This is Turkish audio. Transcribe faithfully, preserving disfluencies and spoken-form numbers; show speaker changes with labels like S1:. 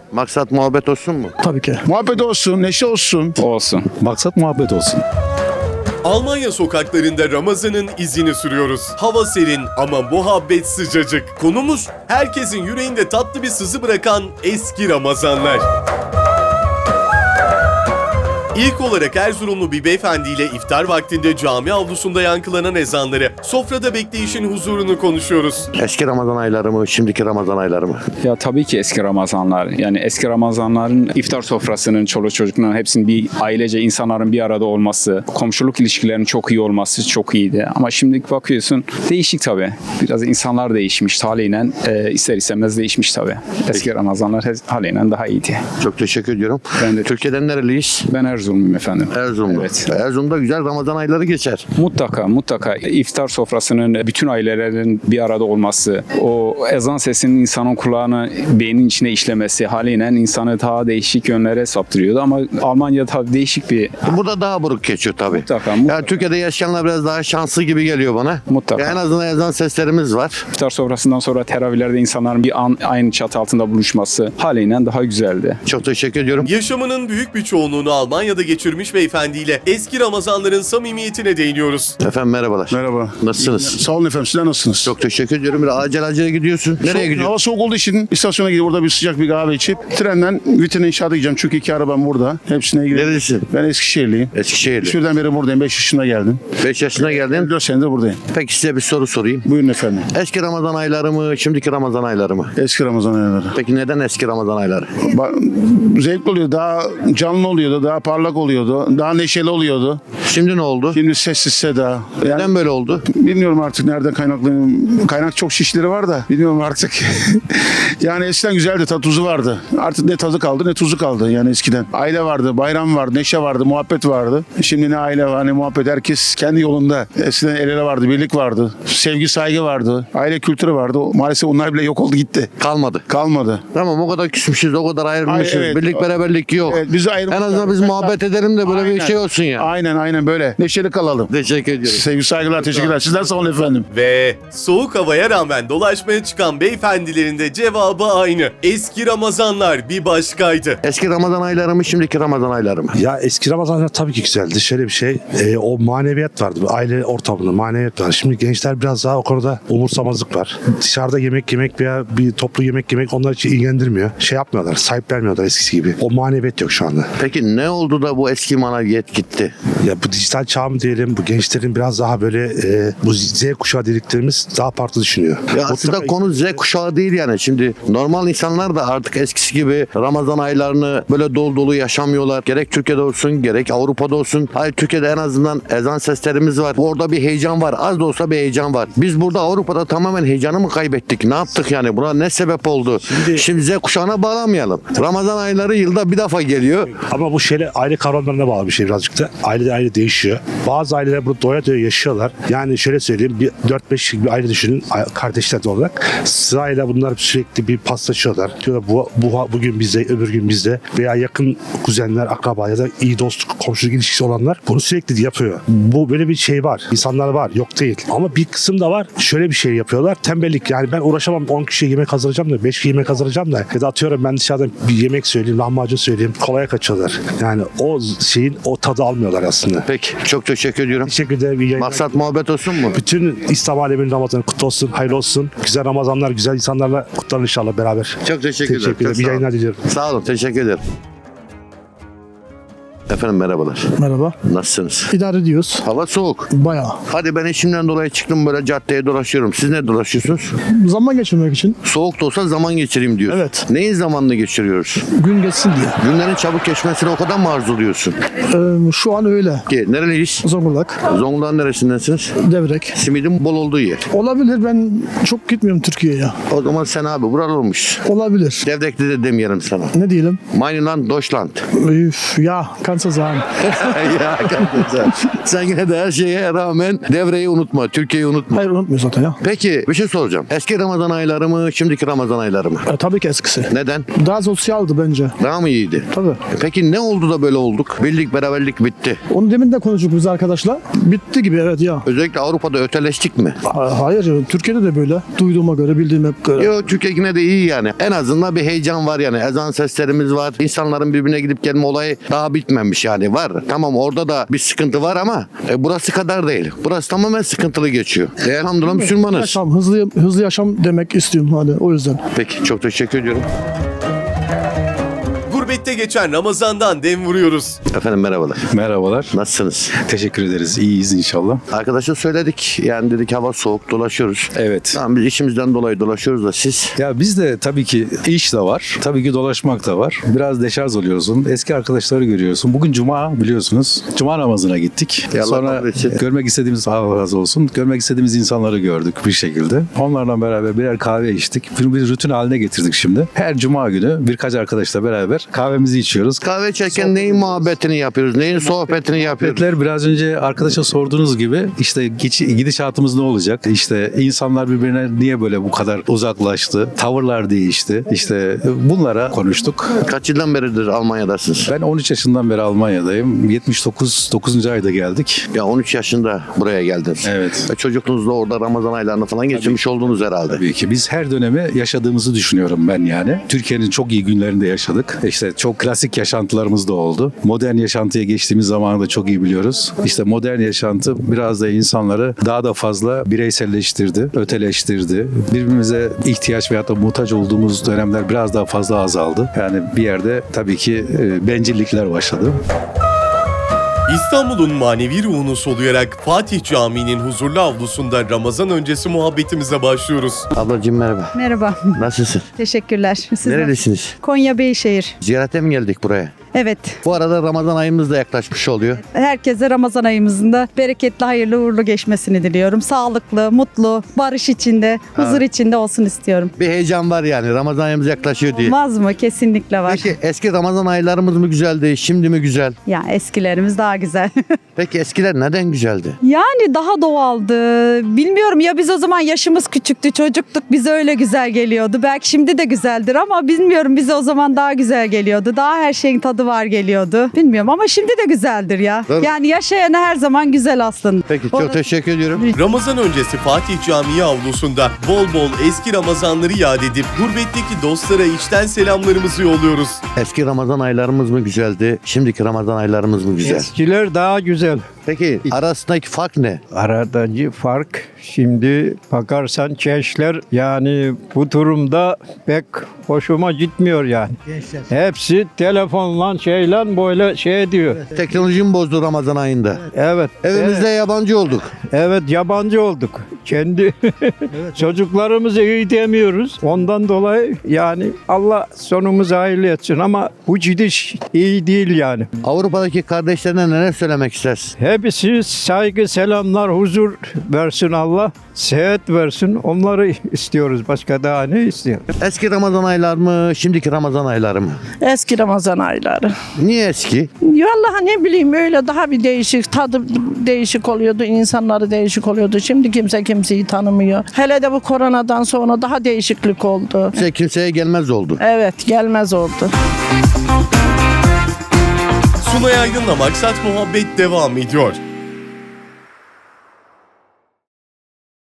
S1: Maksat muhabbet olsun mu?
S2: Tabii ki.
S3: Muhabbet olsun, neşe olsun.
S4: Olsun.
S5: Maksat muhabbet olsun.
S6: Almanya sokaklarında Ramazan'ın izini sürüyoruz. Hava serin ama muhabbet sıcacık. Konumuz herkesin yüreğinde tatlı bir sızı bırakan eski Ramazanlar. İlk olarak Erzurumlu bir beyefendiyle iftar vaktinde cami avlusunda yankılanan ezanları, sofrada bekleyişin huzurunu konuşuyoruz.
S1: Eski Ramazan ayları mı, şimdiki Ramazan ayları mı?
S4: Ya tabii ki eski Ramazanlar. Yani eski Ramazanların iftar sofrasının, çoluk çocukların hepsinin bir ailece insanların bir arada olması, komşuluk ilişkilerinin çok iyi olması çok iyiydi. Ama şimdi bakıyorsun değişik tabii. Biraz insanlar değişmiş haliyle, e, ister istemez değişmiş tabii. Eski Ramazanlar haliyle daha iyiydi.
S1: Çok teşekkür ediyorum.
S4: Ben de-
S1: Türkiye'den nereliyiz?
S4: Ben Erzurumluyum efendim.
S1: Erzurumlu.
S4: Evet.
S1: Erzurum'da güzel Ramazan ayları geçer.
S4: Mutlaka mutlaka iftar sofrasının bütün ailelerin bir arada olması, o ezan sesinin insanın kulağına, beynin içine işlemesi haliyle insanı daha değişik yönlere saptırıyordu ama Almanya tabii değişik bir
S1: Burada daha buruk geçiyor tabii.
S4: Mutlaka, mutlaka.
S1: Yani Türkiye'de yaşayanlar biraz daha şanslı gibi geliyor bana.
S4: Mutlaka.
S1: Ya en azından ezan seslerimiz var.
S4: iftar sofrasından sonra teravihlerde insanların bir an aynı çatı altında buluşması haliyle daha güzeldi.
S1: Çok teşekkür ediyorum.
S6: Yaşamının büyük bir çoğunluğunu Almanya'da geçirmiş beyefendiyle eski Ramazanların samimiyetine değiniyoruz.
S1: Efendim merhabalar.
S3: Merhaba.
S1: Nasılsınız?
S3: Sağ olun efendim, sizler nasılsınız?
S1: Çok teşekkür ediyorum. Bir acele acele gidiyorsun. Nereye
S3: Soğuk-
S1: gidiyorsun?
S3: Hava soğuk olduğu için istasyona gidip orada bir sıcak bir kahve içip trenden Vitin İnşaat'a gideceğim. Çünkü iki arabam burada. Hepsine gidiyorum.
S1: Nerelisin?
S3: Ben Eskişehirliyim.
S1: Eskişehir'de.
S3: Şuradan beri buradayım. beş yaşında geldim.
S1: beş yaşına geldin.
S3: dört senedir buradayım.
S1: Peki size bir soru sorayım.
S3: Buyurun efendim.
S1: Eski Ramazan ayları mı, şimdiki Ramazan ayları mı?
S3: Eski Ramazan ayları.
S1: Peki neden eski Ramazan ayları?
S3: Ba- Zevkli oluyor. Daha canlı oluyordu. Daha parlak oluyordu. Daha neşeli oluyordu.
S1: Şimdi ne oldu?
S3: Şimdi sessiz seda. Yani
S1: Neden böyle oldu?
S3: bilmiyorum artık nereden kaynaklı. Kaynak çok şişleri var da bilmiyorum artık. Yani eskiden güzeldi. Tadı tuzu vardı. Artık ne tadı kaldı ne tuzu kaldı yani eskiden. Aile vardı, bayram vardı, neşe vardı, muhabbet vardı. Şimdi ne aile var ne muhabbet. Herkes kendi yolunda. Eskiden el ele vardı, birlik vardı. Sevgi, saygı vardı. Aile kültürü vardı. Maalesef onlar bile yok oldu gitti.
S1: Kalmadı.
S3: Kalmadı.
S1: Tamam o kadar küsmüşüz, o kadar ayrılmışız.
S3: Ay, evet.
S1: Birlik beraberlik yok.
S3: Evet, bizi ayrı-
S1: En azından biz muhabbet edelim de böyle bir
S3: Aynen.
S1: şey olsun ya.
S3: Aynen aynen böyle. Neşeli kalalım.
S1: Teşekkür ediyorum.
S3: Sevgi, saygılar, teşekkürler. Sizler sağ olun efendim.
S6: Ve soğuk havaya rağmen dolaşmaya çıkan beyefendilerin de cevabı aynı. Eski Ramazanlar bir başkaydı.
S1: Eski Ramazan ayları mı, şimdiki Ramazan ayları mı?
S5: Ya eski Ramazanlar tabii ki güzeldi. Şöyle bir şey, e, o maneviyat vardı. Aile ortamında maneviyat var. Şimdi gençler biraz daha o konuda umursamazlık var. Dışarıda yemek yemek veya bir toplu yemek yemek onlar için ilgilendirmiyor. Şey yapmıyorlar, sahip vermiyorlar eskisi gibi. O maneviyat yok şu anda.
S1: Peki ne oldu da bu eski maneviyat gitti?
S5: Ya bu dijital çağ mı diyelim, bu gençlerin biraz daha böyle e, bu Z kuşağı dediklerimiz daha farklı düşünüyor.
S1: Ya aslında
S5: Mutlaka-
S1: konu Z kuşağı değil yani. Şimdi normal insanlar da artık eskisi gibi Ramazan aylarını böyle dolu dolu yaşamıyorlar. Gerek Türkiye'de olsun gerek Avrupa'da olsun. Hayır, Türkiye'de en azından ezan seslerimiz var. Orada bir heyecan var. Az da olsa bir heyecan var. Biz burada Avrupa'da tamamen heyecanı mı kaybettik? Ne yaptık yani? Buna ne sebep oldu? Şimdi,
S5: Şimdi-
S1: Z kuşağına bağlamayalım. Ramazan ayları yılda bir defa geliyor.
S5: Ama bu şeyle aile kavramlarına bağlı bir şey birazcık da. Aile aile değişiyor. Bazı aileler bunu doya doya yaşıyorlar. Yani şöyle söyleyeyim, bir dört beş bir aile düşünün, kardeşler de olarak. Sırayla bunlar sürekli bir paslaşıyorlar. Diyorlar bu, bu bugün bizde, öbür gün bizde, veya yakın kuzenler, akraba ya da iyi dostluk, komşuluk ilişkisi olanlar bunu sürekli yapıyor. Bu böyle bir şey var. İnsanlar var, yok değil. Ama bir kısım da var. Şöyle bir şey yapıyorlar. Tembellik. Yani ben uğraşamam, on kişiye yemek hazırlayacağım da, beş kişiye yemek hazırlayacağım da, ya da atıyorum ben dışarıdan bir yemek söyleyeyim, lahmacun söyleyeyim. Kolaya kaçıyorlar. Yani o şeyin o tadı almıyorlar aslında.
S1: Peki. Çok teşekkür ediyorum.
S5: Teşekkür ederim. İyi yayınlar.
S1: Maksat muhabbet olsun mu?
S5: Bütün İslam aleminin Ramazanı kutlu olsun, hayırlı olsun. Güzel Ramazanlar, güzel insanlarla kutlanın inşallah beraber.
S1: Çok teşekkür ederim.
S5: Teşekkür ederim.
S1: Çok
S5: İyi
S1: sağ olun.
S5: yayınlar diliyorum.
S1: Sağ olun. Teşekkür ederim. Efendim merhabalar.
S2: Merhaba.
S1: Nasılsınız?
S2: İdare ediyoruz.
S1: Hava soğuk.
S2: Bayağı.
S1: Hadi ben işimden dolayı çıktım, böyle caddeye dolaşıyorum. Siz ne dolaşıyorsunuz?
S2: Zaman geçirmek için.
S1: Soğuk da olsa zaman geçireyim diyorsun.
S2: Evet.
S1: Neyin zamanını geçiriyoruz?
S2: Gün geçsin diye.
S1: Günlerin çabuk geçmesini o kadar mı arzuluyorsun?
S2: Ee, şu an öyle.
S1: Ki nereliyiz?
S2: Zonguldak,
S1: Zonguldak'ın neresindensiniz?
S2: Devrek.
S1: Simidin bol olduğu yer.
S2: Olabilir, ben çok gitmiyorum Türkiye'ye.
S1: O zaman sen abi buralı olmuş.
S2: Olabilir.
S1: Devrekli de demeyelim sana.
S2: Ne diyelim?
S1: Mainland, Deutschland.
S2: Üf, ya kardeşim. kansız abi.
S1: ya kardeşim. Sen yine de her şeye rağmen devreyi unutma. Türkiye'yi unutma.
S2: Hayır unutmuyor zaten ya.
S1: Peki bir şey soracağım. Eski Ramazan ayları mı, şimdiki Ramazan ayları mı?
S2: E, tabii ki eskisi.
S1: Neden?
S2: Daha sosyaldı bence.
S1: Daha mı iyiydi?
S2: Tabii.
S1: Peki ne oldu da böyle olduk? Birlik, beraberlik bitti.
S2: Onu demin de konuştuk biz arkadaşlar. Bitti gibi evet ya.
S1: Özellikle Avrupa'da öteleştik mi?
S2: Ha- Hayır Türkiye'de de böyle. Duyduğuma göre, bildiğime göre.
S1: Yok, Türkiye yine de iyi yani. En azından bir heyecan var yani. Ezan seslerimiz var. İnsanların birbirine gidip gelme olayı daha bitmemiş yani. Var. Tamam orada da bir sıkıntı var ama e, burası kadar değil. Burası tamamen sıkıntılı geçiyor. E, elhamdülillah Müslümanız.
S2: Yaşam, hızlı, hızlı yaşam demek istiyorum hani o yüzden.
S1: Peki çok teşekkür ediyorum.
S6: Gurbette geçen Ramazan'dan dem vuruyoruz.
S1: Efendim merhabalar.
S7: Merhabalar.
S1: Nasılsınız?
S7: Teşekkür ederiz. İyiyiz inşallah.
S1: Arkadaşa söyledik. Yani dedik hava soğuk dolaşıyoruz.
S7: Evet.
S1: Tamam biz işimizden dolayı dolaşıyoruz da siz.
S7: Ya bizde tabii ki iş de var. Tabii ki dolaşmak da var. Biraz deşarj oluyorsun. Eski arkadaşları görüyorsun. Bugün cuma biliyorsunuz. Cuma namazına gittik.
S1: Ya Allah
S7: Sonra
S1: kabul etsin.
S7: görmek istediğimiz, Allah razı olsun. Görmek istediğimiz insanları gördük bir şekilde. Onlarla beraber birer kahve içtik. Bir, bir rutin haline getirdik şimdi. Her cuma günü birkaç arkadaşla beraber kahvemizi içiyoruz.
S1: Kahve içerken neyin muhabbetini yapıyoruz? Neyin sohbetini yapıyoruz?
S7: Sohbetler biraz önce arkadaşa sorduğunuz gibi işte geç, gidişatımız ne olacak? İşte insanlar birbirine niye böyle bu kadar uzaklaştı? Tavırlar değişti. İşte bunlara konuştuk.
S1: Kaç yıldan beridir Almanya'dasınız?
S7: Ben on üç yaşından beri Almanya'dayım. yetmiş dokuz dokuzuncu ayda geldik.
S1: Ya on üç yaşında buraya geldiniz.
S7: Evet.
S1: Ve çocukluğunuzda orada Ramazan aylarını falan geçirmiş oldunuz herhalde.
S7: Tabii ki biz her dönemi yaşadığımızı düşünüyorum ben yani. Türkiye'nin çok iyi günlerinde yaşadık. İşte çok klasik yaşantılarımız da oldu. Modern yaşantıya geçtiğimiz zamanı da çok iyi biliyoruz. İşte modern yaşantı biraz da insanları daha da fazla bireyselleştirdi, öteleştirdi. Birbirimize ihtiyaç veyahut da muhtaç olduğumuz dönemler biraz daha fazla azaldı. Yani bir yerde tabii ki e, bencillikler başladı.
S6: İstanbul'un manevi ruhunu soluyarak Fatih Camii'nin huzurlu avlusunda Ramazan öncesi muhabbetimize başlıyoruz.
S1: Ablacığım merhaba.
S8: Merhaba,
S1: Nasılsın?
S8: teşekkürler. Sizler?
S1: Nerelisiniz?
S8: Konya Beyşehir.
S1: Ziyarete mi geldik buraya?
S8: Evet,
S1: Bu arada Ramazan ayımız da yaklaşmış oluyor.
S8: herkese Ramazan ayımızın da bereketli, hayırlı, uğurlu geçmesini diliyorum. Sağlıklı, mutlu, barış içinde, huzur içinde olsun istiyorum.
S1: Bir heyecan var yani. Ramazan ayımız yaklaşıyor diye.
S8: Olmaz mı? Kesinlikle var.
S1: Peki eski Ramazan aylarımız mı güzeldi, şimdi mi güzel?
S8: Ya eskilerimiz daha güzel.
S1: Peki eskiler neden güzeldi?
S8: Yani daha doğaldı. Bilmiyorum ya, biz o zaman yaşımız küçüktü, çocuktuk. Bize öyle güzel geliyordu. Belki şimdi de güzeldir ama bilmiyorum, bize o zaman daha güzel geliyordu. Daha her şeyin tadı var geliyordu. Bilmiyorum ama şimdi de güzeldir ya.
S1: Tabii.
S8: Yani yaşayan çok her zaman güzel aslında.
S1: Peki çok
S8: Orada-
S1: teşekkür ediyorum.
S6: Ramazan öncesi Fatih Camii avlusunda bol bol eski Ramazanları yad edip gurbetteki dostlara içten selamlarımızı yolluyoruz.
S1: Eski Ramazan aylarımız mı güzeldi, şimdiki Ramazan aylarımız mı güzel?
S9: Eskiler daha güzel.
S1: Peki arasındaki fark ne?
S9: Aradaki fark şimdi bakarsan gençler yani bu durumda pek hoşuma gitmiyor yani. Hepsi telefonla şeyle böyle şey diyor.
S1: Teknoloji mi bozdu Ramazan ayında?
S9: Evet.
S1: Evimizde yabancı olduk.
S9: Evet yabancı olduk. Kendi çocuklarımızı iyi demiyoruz. Ondan dolayı yani Allah sonumuzu hayırlı etsin ama bu gidiş iyi değil yani.
S1: Avrupa'daki kardeşlerine neler söylemek istersin?
S9: Hepsi saygı, selamlar, huzur versin Allah. Seyahat versin. Onları istiyoruz. Başka daha ne istiyoruz?
S1: Eski Ramazan aylar mı, şimdiki Ramazan ayları mı?
S10: Eski Ramazan ayları.
S1: Niye eski?
S10: Vallahi ne bileyim öyle daha bir değişik, tadı değişik oluyordu, insanları değişik oluyordu. Şimdi kimse kimseyi tanımıyor. Hele de bu koronadan sonra daha değişiklik oldu.
S1: Kimse kimseye gelmez oldu.
S10: Evet, gelmez oldu.
S6: Sunay Aydın'la Maksat Muhabbet devam ediyor.